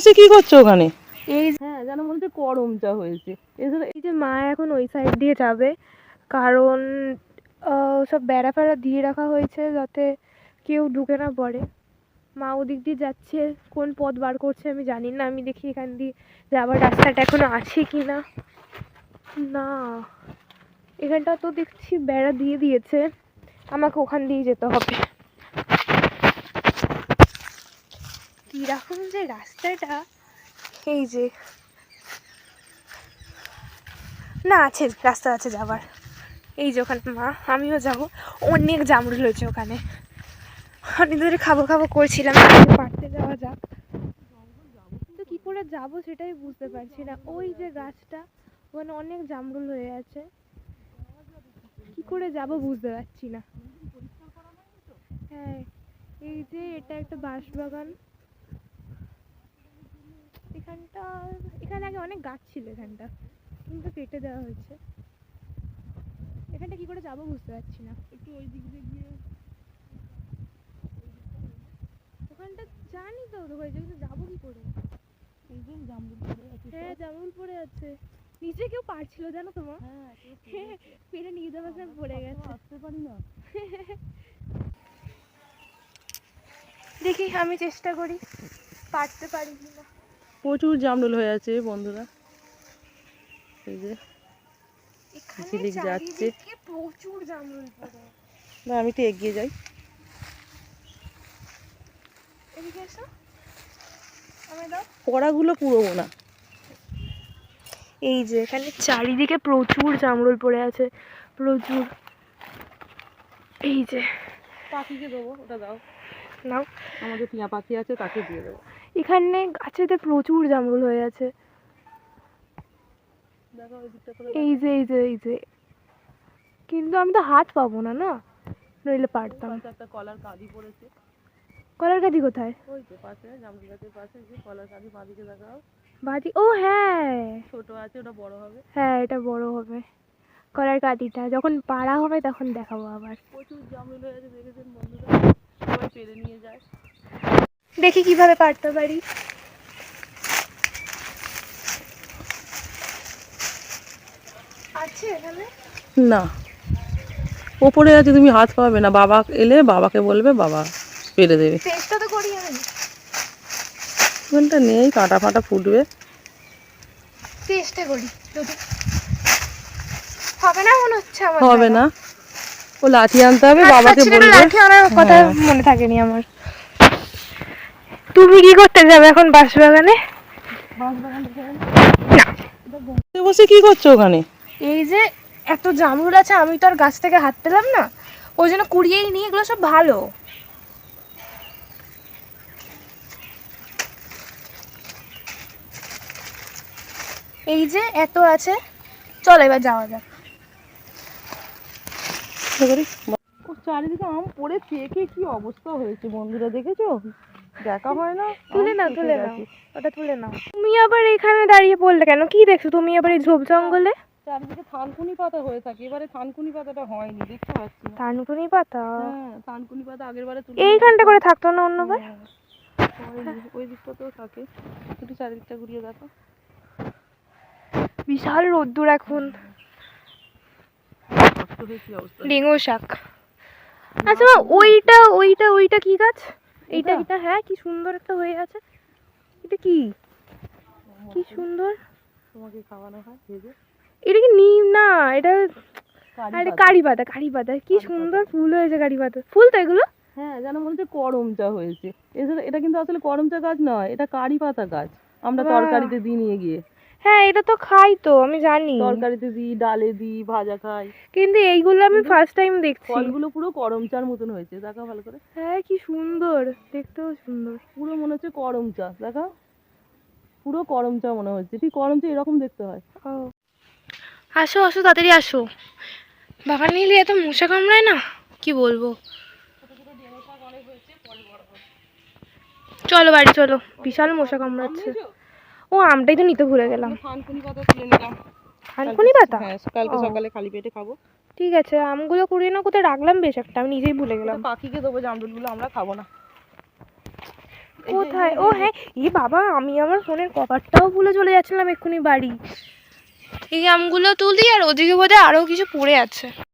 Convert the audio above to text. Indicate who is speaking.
Speaker 1: বসে কি করছো ওখানে? এই হ্যাঁ যেন মনে হচ্ছে করমচা হয়েছে।
Speaker 2: এই যে মা এখন ওই সাইড দিয়ে যাবে, কারণ সব বেড়া ফেড়া দিয়ে রাখা হয়েছে যাতে কেউ ঢুকে না পড়ে। মা ওদিক দিয়ে যাচ্ছে, কোন পথ বার করছে আমি জানি না। আমি দেখি এখান দিয়ে যাওয়ার রাস্তাটা এখনো আছে কি না। না, এখানটা তো দেখছি বেড়া দিয়ে দিয়েছে, আমাকে ওখান দিয়ে যেতে হবে। কিরকম যে রাস্তাটা, এই যে না আছে রাস্তা আছে যাবার। এই যে ওখানে মা, আমিও যাবো। অনেক জামরুল হয়েছে ওখানে, অনেক ধরে খাবো খাবো করছিলাম, পাড়তে যাওয়া যাক। কিন্তু কি করে যাবো সেটাই বুঝতে পারছি না। ওই যে গাছটা, ওখানে অনেক জামরুল হয়ে আছে, কি করে যাবো বুঝতে পারছি না। হ্যাঁ, এই যে এটা একটা বাঁশবাগান। এখানটা, এখানে আগে অনেক গাছ ছিল এখানটা, কিন্তু কেটে দেওয়া হয়েছে। এখানটা কি করে যাবো বুঝতে পারছি না। একটু ওই দিক দিয়ে গিয়ে ওখানটা জানি তো হয়েছে, কিন্তু যাবো কি করে? হ্যাঁ জামরুল পড়ে আছে, নিচে কেউ পারছিল জানো তোমার? হ্যাঁ, পেরে নিয়ে যাওয়ার সময় পড়ে গেছে। আসতে পারি না। দেখি আমি চেষ্টা করি পারতে পারি কিনা।
Speaker 1: প্রচুর জামরুল হয়ে আছে বন্ধুরা। এই যে ঝিলিক যাচ্ছে,
Speaker 2: প্রচুর জামরুল পড়ে।
Speaker 1: না আমি একটু এগিয়ে যাই।
Speaker 2: এদিকে এসো, আমায় দাও।
Speaker 1: কড়াগুলো পুরোবো না।
Speaker 2: এই যে এখানে চারিদিকে প্রচুর জামরুল পড়ে আছে, প্রচুর। এই যে
Speaker 1: পাখিকে দেবো, ওটা দাও।
Speaker 2: নাও,
Speaker 1: আমাদের টিয়া পাখি আছে, তাকে দিয়ে দেবো।
Speaker 2: এখানে গাছেতে প্রচুর জামরুল হয়ে আছে।
Speaker 1: দেখো ওই দিকটা করে।
Speaker 2: এই যে এই যে এই যে, কিন্তু আমি তো হাত পাবো না, না নইলে পারতাম।
Speaker 1: একটা কলার কাঁদি পড়েছে।
Speaker 2: কলার গাদি কোথায়?
Speaker 1: ওই তো পাশে, জামরুল গাছের পাশে যে কলার কাঁদি, বাঁদিকে দেখাও।
Speaker 2: বাদি, ও হ্যাঁ,
Speaker 1: ছোট আছে, ওটা বড় হবে।
Speaker 2: হ্যাঁ এটা বড় হবে। কলার কাঁদিটা যখন পাড়া হবে তখন দেখাবো আবার।
Speaker 1: প্রচুর জামরুল হয়ে আছে, দেখেছেন বন্ধুরা, সবাই পেরে নিয়ে যায়।
Speaker 2: দেখি কিভাবে পারতে পারি। আছে এখানে?
Speaker 1: না, ওপরে আছে, তুমি হাত পাবে না। বাবা এলে বাবাকে বলবে, বাবা পেরে দেবে।
Speaker 2: চেষ্টা তো করি আমি।
Speaker 1: ওখানটা নেই, কাঁটা ফাটা ফুটবে।
Speaker 2: চেষ্টা করি, যদি হবে না মনে হচ্ছে আমার।
Speaker 1: হবে না, ও লাঠি আনতে হবে, বাবাকে বলবে।
Speaker 2: লাঠি আনার কথা মনে থাকেনি আমার। তুমি কি করতে যাবে এখন বাঁশবাগানে?
Speaker 1: বসে কি করছো ওখানে?
Speaker 2: এই যে এত জামরুল আছে, আমি তো আর গাছ থেকে হাত পেলাম না, ওই জন্য কুড়িয়েই নিয়ে, এগুলো সব ভালো। এই যে এত আছে, চল এবার যাওয়া যাক।
Speaker 1: চারিদিকে আম পড়ে পেকে কি অবস্থা হয়েছে বন্ধুরা, দেখেছো? দেখা হয় না।
Speaker 2: তুলে নাও, তুলে নাও, ওটা তুলে নাও। তুমি আবার এখানে দাঁড়িয়ে পড়লে কেন? কি দেখছো তুমি আবার এই ঝোপ জঙ্গলে?
Speaker 1: চারিদিকে থানকুনি পাতা হয়ে থাকে, এবারে থানকুনি পাতাটা হয়নি, দেখতে পাচ্ছি না।
Speaker 2: থানকুনি পাতা?
Speaker 1: হ্যাঁ, থানকুনি পাতা আগের বারে তুলে
Speaker 2: এইখানটা করে থাকতো না অন্যবার?
Speaker 1: ওই দিকটাতেও থাকে। একটু চারিদিকটা ঘুরিয়ে দেখো।
Speaker 2: বিশাল রোদ্দুর এখন। ডেঙ্গু শাক। আচ্ছা ওইটা ওইটা ওইটা কি গাছ? এইটা এটা, হ্যাঁ কি সুন্দর একটা হয়ে আছে। এটা কি, কি সুন্দর।
Speaker 1: তোমাকে খাওয়ানো হয় ভেজে।
Speaker 2: এটা কি নিম না, এটা আরে কারি পাতা, কারি পাতা। কি সুন্দর ফুল হয়েছে কারি পাতা। ফুল তো এগুলো?
Speaker 1: হ্যাঁ, যেন মনে হচ্ছে করমচা হয়েছে। এটা কিন্তু আসলে করমচা গাছ নয়, এটা কারি পাতা গাছ। আমরা তরকারিতে দিই নিয়ে গিয়ে।
Speaker 2: হ্যাঁ এটা তো খাই তো, আমি জানি।
Speaker 1: তরকারিতে দিই, ডালে দিই, ভাজা খাই।
Speaker 2: কিন্তু এইগুলো আমি ফার্স্ট টাইম দেখছি।
Speaker 1: ফলগুলো পুরো করমচার মতন হয়েছে, দেখো ভালো করে।
Speaker 2: হ্যাঁ কি সুন্দর, দেখতেও সুন্দর।
Speaker 1: পুরো মনে হচ্ছে করমচা, দেখো পুরো করমচা মনে হচ্ছে। ঠিক করমচা এরকম দেখতে হয়।
Speaker 2: ও আসো আসো, তাড়াতাড়ি আসো। বাবা নিলে এত মশা কামড়ায় না, কি বলবো। চলো বাড়ি চলো, বিশাল মশা কামড়াচ্ছে। ও আমটাই তো নিতে ভুলে গেলাম।
Speaker 1: থানকুনি পাতা তুলে নিলাম।
Speaker 2: থানকুনি পাতা?
Speaker 1: হ্যাঁ, কালকে সকালে খালি পেটে খাবো।
Speaker 2: ঠিক আছে, আমগুলো কুড়িয়ে না কোথায় রাখলাম বেশ একটা, আমি নিজেই ভুলে গেলাম।
Speaker 1: পাখিকে দেবো জামরুলগুলো, আমরা খাবো না।
Speaker 2: কোথায়? ও হ্যাঁ, এ বাবা, আমি আমার ফোনের কভারটাও ভুলে চলে যাচ্ছিলাম এক্ষুনি বাড়ি। এই আমগুলো তুলি, আর ওদিকে বোধহয় আরও কিছু পড়ে আছে।